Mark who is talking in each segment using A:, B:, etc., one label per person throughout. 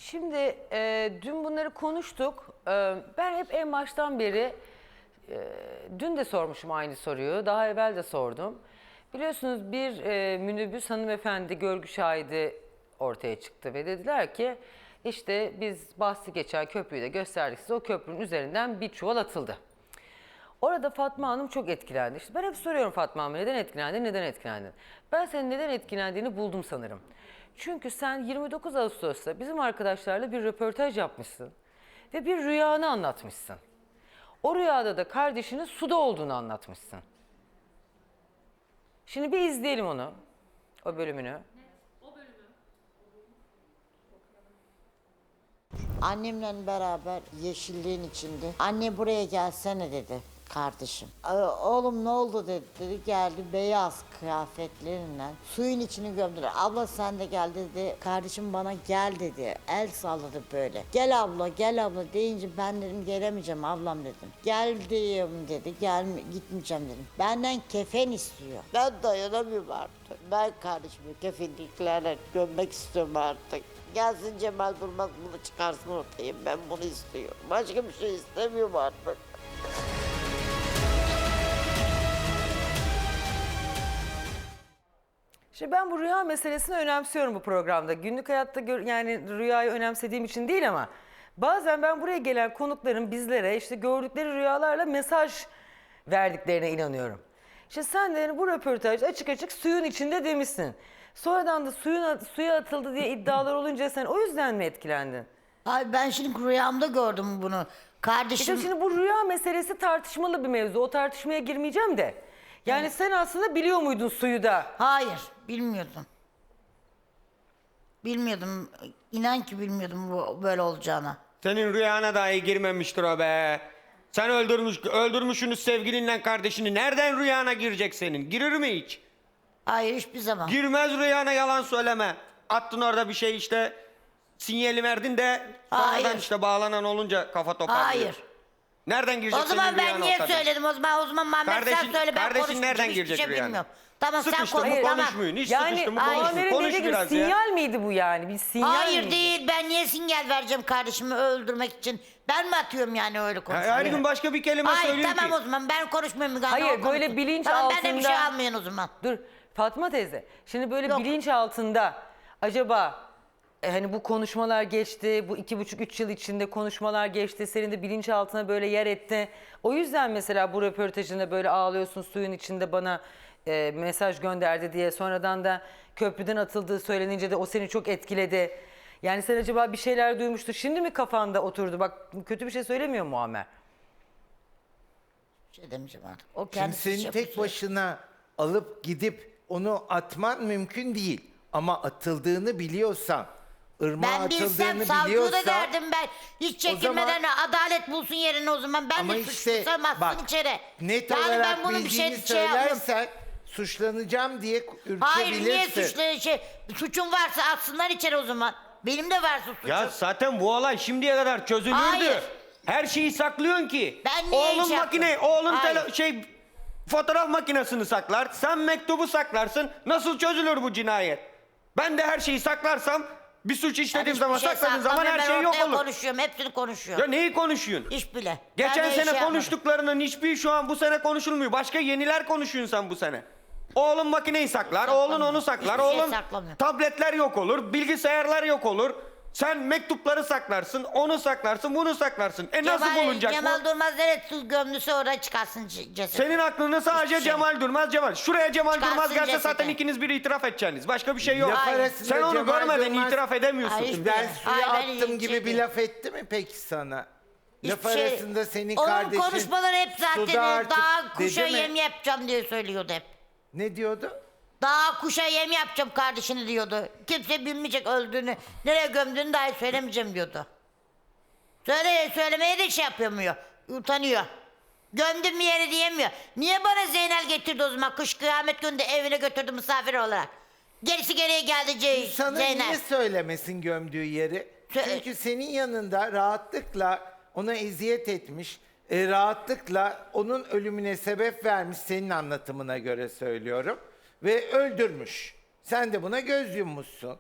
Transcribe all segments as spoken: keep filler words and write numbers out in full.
A: Şimdi e, dün bunları konuştuk. E, ben hep en baştan beri, e, dün de sormuşum aynı soruyu, daha evvel de sordum. Biliyorsunuz bir e, minibüs hanımefendi görgü şahidi ortaya çıktı ve dediler ki işte biz bahsi geçen köprüyü de gösterdik size, o köprünün üzerinden bir çuval atıldı. Orada Fatma Hanım çok etkilendi. İşte ben hep soruyorum Fatma Hanım, neden etkilendin, neden etkilendin? Ben senin neden etkilendiğini buldum sanırım. Çünkü sen yirmi dokuz Ağustos'ta bizim arkadaşlarla bir röportaj yapmışsın ve bir rüyanı anlatmışsın. O rüyada da kardeşinin suda olduğunu anlatmışsın. Şimdi bir izleyelim onu, o bölümünü.
B: Annemle beraber yeşilliğin içinde. Anne buraya gelsene dedi kardeşim. "Aa, oğlum ne oldu dedi. dedi. Geldi beyaz kıyafetleriyle suyun içini gömdüler. Abla sen de gel dedi. Kardeşim bana gel dedi. El salladı böyle. Gel abla gel abla deyince ben dedim gelemeyeceğim ablam dedim. Geldim dedi. Gel gitmeyeceğim dedim. Benden kefen istiyor. Ben dayanamıyorum artık. Ben kardeşimi kefenliklerle gömmek istiyorum artık. Gelsin Cemal Durmaz bunu çıkarsın ortaya. Ben bunu istiyorum. Başka bir şey istemiyorum artık.
A: Şimdi ben bu rüya meselesini önemsiyorum bu programda. Günlük hayatta gör, yani rüyayı önemsediğim için değil ama bazen ben buraya gelen konukların bizlere işte gördükleri rüyalarla mesaj verdiklerine inanıyorum. İşte sen de yani bu röportajda açık açık suyun içinde demişsin. Sonradan da suyun, suya atıldı diye iddialar olunca sen o yüzden mi etkilendin?
B: Ay ben şimdi rüyamda gördüm bunu. Kardeşim...
A: İşte şimdi bu rüya meselesi tartışmalı bir mevzu. O tartışmaya girmeyeceğim de. Yani evet. Sen aslında biliyor muydun suyu da?
B: Hayır, bilmiyordum. Bilmiyordum. İnan ki bilmiyordum bu böyle olacağını.
C: Senin rüyana dahi girmemiştir o be. Sen öldürmüş, öldürmüşsünüz sevgilinle kardeşini. Nereden rüyana girecek senin? Girir mi hiç?
B: Hayır, hiçbir zaman.
C: Girmez rüyana, yalan söyleme. Attın orada bir şey işte. Sinyali verdin de sonradan
B: Hayır.
C: işte bağlanan olunca kafa toparlıyor.
B: Hayır.
C: Nereden girecek
B: O zaman
C: senin
B: ben
C: rüyana
B: niye
C: o kadın?
B: söyledim o zaman? O zaman Mehmet sen
C: Kardeşin-
B: söyle ben
C: kardeşin
B: konuşmayacağım.
C: nereden
B: Hiçbir
C: girecek
B: şey
C: rüyana?
B: bilmiyorum. Tamam sen
C: Sıkıştı
B: konuş.
C: mı
B: Tamam.
C: konuşmayın. Hiç
A: Yani
C: sıkıştı mı
A: Muammer'in
C: konuşmayın. Konuş
A: dediği gibi
C: biraz ya.
A: sinyal miydi bu yani? Bir sinyal
B: Hayır
A: miydi?
B: değil. Ben niye sinyal vereceğim kardeşimi öldürmek için? Ben mi atıyorum yani öyle konuşmayı?
C: Her gün başka bir kelime
B: Hayır
C: söylüyor
B: tamam
C: ki.
B: o zaman ben konuşmuyorum. Müge
A: Hayır,
B: Hanım, o
A: böyle
B: konuşsun.
A: bilinç
B: tamam, ben de bir şey
A: altında-
B: almayın o zaman.
A: Dur Fatma teyze. Şimdi böyle
B: Yok.
A: bilinç altında acaba e, hani bu konuşmalar geçti, bu iki buçuk üç yıl içinde konuşmalar geçti, senin de bilinç altına böyle yer etti. O yüzden mesela bu röportajında böyle ağlıyorsun suyun içinde bana e, mesaj gönderdi diye, sonradan da köprüden atıldığı söylenince de o seni çok etkiledi. Yani sen acaba bir şeyler duymuştu, şimdi mi kafanda oturdu? Bak kötü bir şey söylemiyor Muammer.
B: Bir şey demeyeceğim artık. O
D: Şimdi
B: kendisi
D: senin
B: şey
D: tek
B: yapıyor.
D: başına alıp gidip onu atman mümkün değil. Ama atıldığını biliyorsan, ırmağa
B: Ben bilsem
D: atıldığını
B: savcıya da
D: biliyorsan...
B: derdim ben. Hiç çekinmeden adalet bulsun yerini o zaman. Ben
D: Ama
B: de
D: işte
B: suçlusam atsın
D: bak,
B: içeri.
D: net
B: yani
D: olarak
B: ben bunun bir şey,
D: bildiğini
B: şey yapmıyorum.
D: söylersen suçlanacağım diye ürkebilirsin.
B: Hayır niye suçlu şey, suçun varsa atsınlar içeri o zaman. Benim de varsa suçum.
C: Ya zaten bu olay şimdiye kadar çözülürdü.
B: Hayır.
C: Her şeyi saklıyorsun ki.
B: Ben niye
C: Oğlun
B: hiç yaptım?
C: makine, oğlun
B: Hayır.
C: tele, şey fotoğraf makinesini saklar. Sen mektubu saklarsın. Nasıl çözülür bu cinayet? Ben de her şeyi saklarsam, bir suç
B: Ben
C: işlediğim
B: hiçbir
C: zaman
B: şey
C: sakladığım zaman
B: saklamıyorum.
C: her şey
B: Ben
C: yok
B: ortaya
C: olur.
B: konuşuyorum hepsini konuşuyorum.
C: Ya neyi konuşuyorsun?
B: Hiç bile.
C: Geçen
B: Ben de
C: sene
B: şey yapmadım.
C: konuştuklarının hiçbir şu an bu sene konuşulmuyor. Başka yeniler konuşuyorsun sen bu sene. Oğlun makineyi saklar, oğlun onu saklar,
B: Hiçbir şey
C: oğlun
B: saklamıyor.
C: tabletler yok olur, bilgisayarlar yok olur. Sen mektupları saklarsın, onu saklarsın, bunu saklarsın. E nasıl
B: Cemal,
C: bulunacak
B: Cemal
C: bu?
B: Durmaz nereye gömdüse oraya çıkarsın c- ceset.
C: Senin aklını sadece
B: Hiçbir şey.
C: Cemal Durmaz, Cemal. Şuraya Cemal
B: Çıkarsın
C: Durmaz gelse
B: cesedi.
C: zaten ikiniz bir itiraf edeceksiniz. Başka bir şey yok.
D: Laf
B: Hayır.
D: arasında
C: Sen onu
D: Cemal
C: görmeden
D: Durmaz,
C: itiraf edemiyorsun.
B: Hayır.
D: Ben suya
B: Ay, ben
D: attım
B: hiç
D: gibi
B: şey
D: bir
B: değil.
D: laf etti mi peki sana? Laf
B: Hiçbir şey-
D: arasında senin
B: Onun
D: kardeşin...
B: konuşmaları hep zaten
D: suda artık
B: daha kuşa
D: dedi mi?
B: yem yapacağım diye söylüyordu hep.
D: Ne diyordu?
B: Daha kuşa yem yapacağım kardeşini diyordu. Kimse bilmeyecek öldüğünü, nereye gömdüğünü dahi söylemeyeceğim diyordu. Söyle, söylemeye de şey yapamıyor, utanıyor. Gömdüm bir yere diyemiyor. Niye bana Zeynel getirdi o zaman? Kış kıyamet gününde evine götürdü misafir olarak. Gerisi geriye geldi Ce-
D: Sana
B: Zeynel.
D: niye söylemesin gömdüğü yeri?
B: Sö-
D: Çünkü senin yanında rahatlıkla ona eziyet etmiş, e, rahatlıkla onun ölümüne sebep vermiş, senin anlatımına göre söylüyorum. Ve öldürmüş. Sen de buna göz yummuşsun.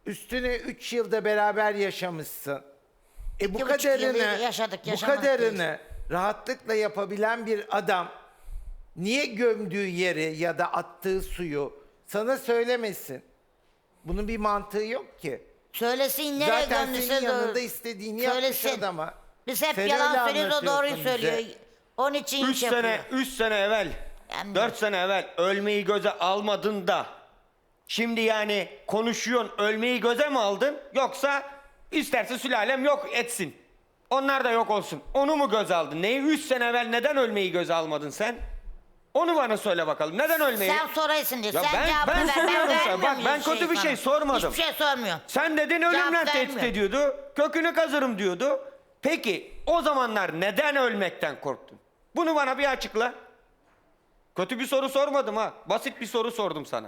D: Üstüne üç yılda beraber yaşamışsın. E bu
B: İki buçuk yıl
D: kadarını,
B: yaşadık,
D: bu
B: yaşamadık
D: kadarını rahatlıkla yapabilen bir adam niye gömdüğü yeri ya da attığı suyu sana söylemesin? Bunun bir mantığı yok ki.
B: Söylesin nereye
D: Zaten
B: gömdüyse
D: senin
B: doğru.
D: yanında istediğini yapmış
B: Söylesin.
D: adama.
B: Biz hep
D: Sen
B: yalan
D: öyle
B: söylüyoruz, o doğruyu
D: anlatıyorsun
B: söylüyor.
D: bize.
B: Onun için
C: Üç
B: iş yapıyor.
C: sene, üç sene evvel,
B: Ben-
C: dört sene evvel ölmeyi göze almadın da şimdi yani konuşuyorsun, ölmeyi göze mi aldın? Yoksa isterse sülalem yok etsin. Onlar da yok olsun. Onu mu göze aldın? Neyi? Üç sene evvel neden ölmeyi göze almadın sen? Onu bana söyle bakalım. Neden ölmeyi?
B: Sen soraysın diye.
C: Ya
B: Sen
C: ben-
B: cevabını
C: ben
B: ver.
C: soruyorum sana.
B: vermiyorum
C: Bak, ben
B: hiçbir
C: kötü bir şey
B: sana.
C: sormadım.
B: Hiçbir şey sormuyor.
C: Sen dedin ölümle tehdit
B: vermiyor.
C: ediyordu. Kökünü kazırım diyordu. Peki o zamanlar neden ölmekten korktun? Bunu bana bir açıkla. Kötü bir soru sormadım ha. Basit bir soru sordum sana.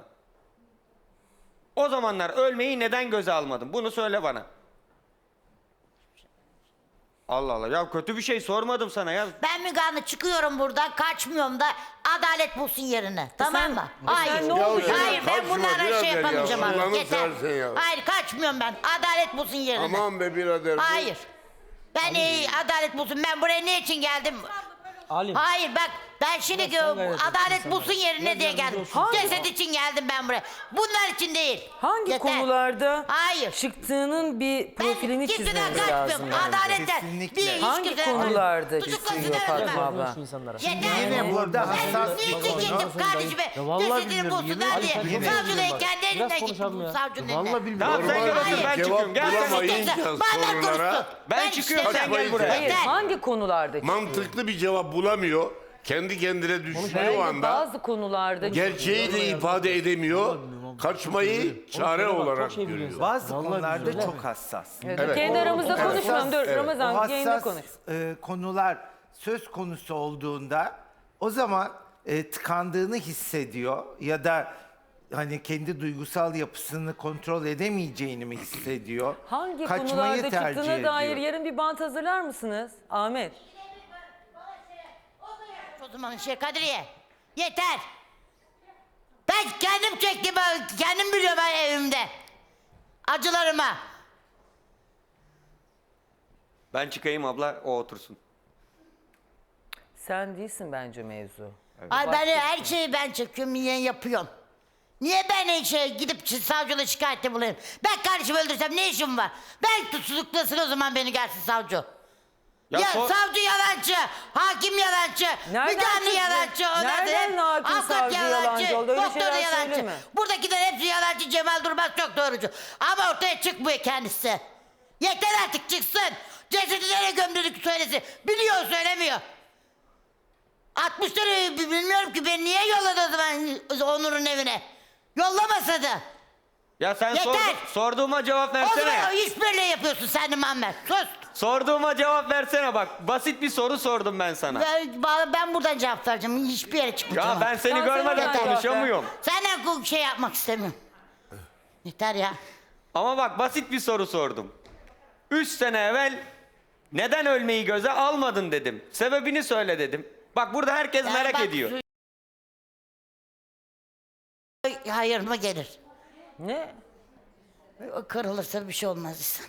C: O zamanlar ölmeyi neden göze almadın? Bunu söyle bana. Allah Allah. Ya kötü bir şey sormadım sana ya.
B: Ben Müge Anlı çıkıyorum buradan, kaçmıyorum da adalet bulsun yerine. Tamam
A: sen-
B: mı?
A: e sen
B: Hayır.
A: ne oldu ya?
B: Hayır ben
E: Kaçma
B: bunlara
E: birader
B: şey
E: ya.
B: yapamayacağım artık.
E: Allah'ını
B: Yeter.
E: seversen ya.
B: Hayır kaçmıyorum ben. Adalet bulsun yerine.
E: Aman be birader. bu-
B: Hayır. Ben e, adalet bulsun. Ben buraya ne için geldim?
F: Alim.
B: Hayır bak ben şimdi
F: Biraz sen gayret et
B: adalet
F: insanlara.
B: bulsun yerine
F: Biraz
B: diye
F: yardımcı
B: geldim.
F: olsun.
B: Ceset için geldim ben buraya. Bunlar için değil.
A: Hangi
B: Yeter.
A: konularda
B: Hayır.
A: çıktığının bir profilini
B: kimseden
A: çizmemiz
B: kaçmıyorum.
A: lazım. yani.
B: Adaletten.
D: Kesinlikle.
B: Bir hiç
A: Hangi
B: kimseden
A: konularda
B: kaçmıyorum. Tutuklasın
A: çıkıyor
B: hemen
A: Fatma
B: ben.
A: abla?
F: Şu insanlara.
B: Yeter.
D: Yine burada hassas
B: Ben
D: bir
B: niçin
D: konu.
B: gittim kardeşime?
F: Ya vallahi
B: Cesedini
F: bilmiyorum,
B: bulsunlar
F: yemin
B: diye.
F: ederim.
D: Yine-
B: Savcılığa
F: Bak,
B: kendi
F: biraz
B: elimden
F: konuşalım
B: gittim
F: ya.
B: savcının
F: Vallahi
B: eline.
F: bilmiyorum.
C: Tamam sen
E: Normal
C: gel otur ben
E: cevap
C: çıkıyorum. Gel sen.
E: bulamayınca
B: Benden
E: sorulara
B: konuştu.
C: Ben çıkıyorum,
B: işte-
C: sen gel buraya.
A: Hayır,
B: Yeter.
A: hangi konularda çıkıyor?
E: mantıklı bir cevap bulamıyor. Kendi kendine düşünüyor
A: Belki
E: o anda.
A: bazı konularda
E: Gerçeği de ifade edemiyor. Kaçmayı çare
F: Oğlum, bak, çok
E: olarak
F: şey
E: görüyor.
F: biliyorsun.
D: Bazı
F: Vallahi
D: konularda
F: bilmiyorum.
D: çok hassas.
A: Evet,
E: Evet.
A: kendi aramızda
E: O- o-
A: konuşmayalım. Dur
E: Evet.
A: Ramazan
D: o
A: yayında
D: hassas
A: konuş.
D: e, konular söz konusu olduğunda o zaman e, tıkandığını hissediyor ya da hani kendi duygusal yapısını kontrol edemeyeceğini mi hissediyor?
A: Hangi
D: Kaçmayı
A: konularda
D: tercih
A: çıktığına
D: ediyor.
A: dair yarın bir bant hazırlar mısınız? Ahmet.
B: O zaman şey Kadriye. Yeter. Ben kendim çektim. ben Kendim biliyorum ben evimde. Acılarıma.
C: Ben çıkayım abla, o otursun.
A: Sen değilsin bence mevzu.
B: Ay ben her şeyi ben çekiyorum, niye yapıyorum? Niye ben şey gidip savcılığa şikayette bulayım? Ben kardeşimi öldürsem ne işim var? Ben tutuklasın o zaman beni gelsin savcı.
C: Ya
B: Ya,
C: sor-
B: savcı yalancı, hakim yalancı,
A: Nereden
B: müdahale
A: çıktı?
B: yalancı, ondan
A: Nereden
B: hep
A: hakim,
B: avukat
A: savcı yalancı oldu? Öyle
B: doktor da
A: şeyler
B: yalancı.
A: söyleme.
B: Buradakiler hepsi yalancı, Cemal Durmaz çok doğrucu. Ama ortaya çıkmıyor kendisi. Yeter artık çıksın. Cesedi nereye gömdürdük söylesin. Biliyor söylemiyor. altmışları bilmiyorum ki ben niye yolladı o zaman Onur'un evine? Yollamasa da.
C: Ya sen
B: Yeter.
C: sordu- sorduğuma cevap
B: O
C: versene.
B: zaman o işbirliği yapıyorsun sen de Muammer. Sus.
C: Sorduğuma cevap versene bak. Basit bir soru sordum ben sana.
B: Ben, ben buradan cevap vereceğim. Hiçbir yere çıkmayacağım.
C: Ya ben seni
A: Tamam, sen
C: görmeden
A: oradan cevap ver.
C: konuşamıyorum.
B: Senden bu şey yapmak istemiyorum. Yeter ya.
C: Ama bak basit bir soru sordum. Üç sene evvel neden ölmeyi göze almadın dedim. Sebebini söyle dedim. Bak burada herkes
B: Ya
C: merak
B: bak,
C: ediyor.
B: su- Hayır mı gelir?
A: Ne?
B: O kırılırsa bir şey olmaz insan.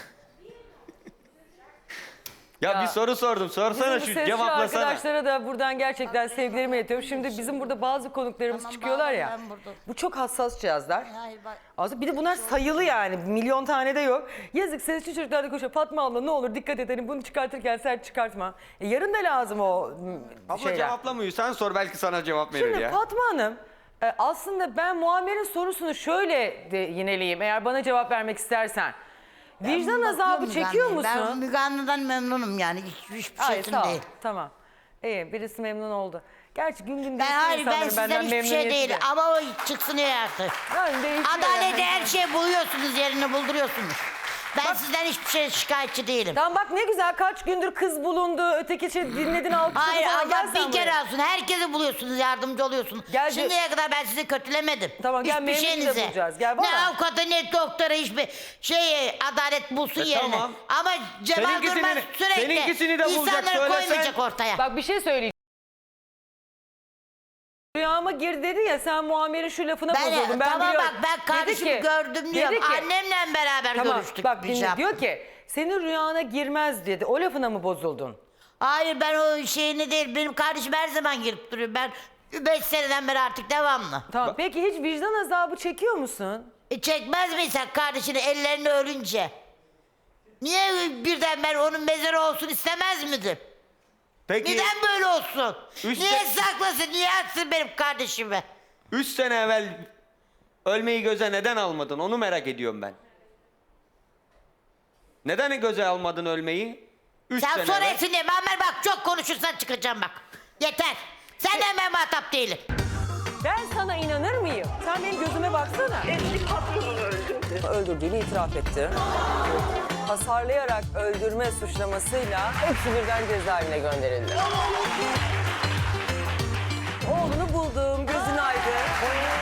C: Ya,
A: Ya,
C: bir soru sordum. Sorsana
A: Bizim bu
C: şu
A: sesli
C: cevaplasana.
A: arkadaşlara da buradan gerçekten sevgilerimi iletiyorum. Şimdi bizim burada bazı konuklarımız
B: Tamam,
A: çıkıyorlar ya.
B: bağlan, ben burada.
A: Bu çok hassas cihazlar.
B: Hayır bak.
A: Aslında bir de bunlar sayılı yani. Milyon tane de yok. Yazık sesli çocuklar da koşuyor. Fatma abla ne olur dikkat edelim. Bunu çıkartırken sert çıkartma. E, yarın da lazım o m,
C: Abla
A: şeyler.
C: cevaplamıyor. Sen sor belki sana cevap verir
A: Şimdi
C: ya.
A: Fatma Hanım e, aslında ben Muammer'in sorusunu şöyle de yineleyeyim. Eğer bana cevap vermek istersen. Vicdan azabı
B: Bakıyorum
A: çekiyor
B: Müge Anlı'ya. Ben
A: musun?
B: Müge Anlı'dan memnunum yani. Hiç, hiçbir
A: Hayır
B: şeysin
A: sağ ol.
B: değil.
A: Tamam. İyi birisi memnun oldu. Gerçi gün gün
B: Ben
A: değişiyor
B: hayır ben
A: insanların
B: sizden
A: benden
B: hiçbir şey
A: memnuniyeti
B: değil.
A: de.
B: Ama o çıksın ya artık.
A: Yani değişiyor
B: Adalete
A: yani.
B: her şeyi buluyorsunuz, yerini bulduruyorsunuz. Ben sizden hiçbir şey şikayetçi değilim.
A: Tamam bak ne güzel kaç gündür kız bulundu. Öteki şey dinledin alkışladın
B: Hayır
A: falan. Gel
B: Allah
A: sen
B: bir kere
A: buraya.
B: alsın. Herkese buluyorsunuz, yardımcı oluyorsunuz.
A: Gel,
B: Şimdiye kadar ben sizi kötülemedim.
A: Tamam, gel,
B: Hiçbir
A: memnun da
B: şeyinize.
A: bulacağız. Gel,
B: ne
A: valla.
B: avukata ne doktora hiçbir şey adalet bulsun
C: E,
B: yerine.
C: tamam.
B: Ama Cemal
C: Seninkisini-
B: Durmaz sürekli
C: seninkisini de bulacak,
B: insanları
C: söylesen.
B: koymayacak ortaya.
A: Bak bir şey söyleyeceğim. Rüyamı rüyama girdi dedi ya, sen Muammer'in şu lafına
B: Ben-
A: bozuldun. Ben
B: tamam
A: biliyorum.
B: bak, ben
A: Dedi
B: kardeşimi
A: ki-
B: gördüm
A: dedi
B: diyorum.
A: ki-
B: Annemle beraber
A: Tamam
B: görüştük.
A: bak
B: bir
A: dinle,
B: şey
A: diyor ki senin rüyana girmez dedi. O lafına mı bozuldun?
B: Hayır, ben o şeyini değil. Benim kardeşim her zaman girip duruyor. Ben beş seneden beri artık devamlı.
A: Tamam peki hiç vicdan azabı çekiyor musun?
B: E çekmez misin sen kardeşini ellerini ölünce? Niye birden ben onun mezarı olsun istemez miydin?
C: Peki
B: Neden böyle olsun?
C: Üç
B: Niye
C: se-
B: saklasın? Niye atsın benim kardeşimi?
C: üç sene evvel ölmeyi göze neden almadın? Onu merak ediyorum ben. Neden göze almadın ölmeyi? Üç
B: Sen
C: sene
B: sonra
C: evvel.
B: etsin diye. Muammer bak, çok konuşursan çıkacağım bak. Yeter. Senden ben muhatap değilim.
A: Ben sana inanır mıyım? Sen benim gözüme baksana.
F: Eski patronunu öldürdü.
A: Öldürdüğünü itiraf etti. Hasarlayarak öldürme suçlamasıyla hepsi birden cezaevine gönderildi. Oğlunu buldum, gözün aydın.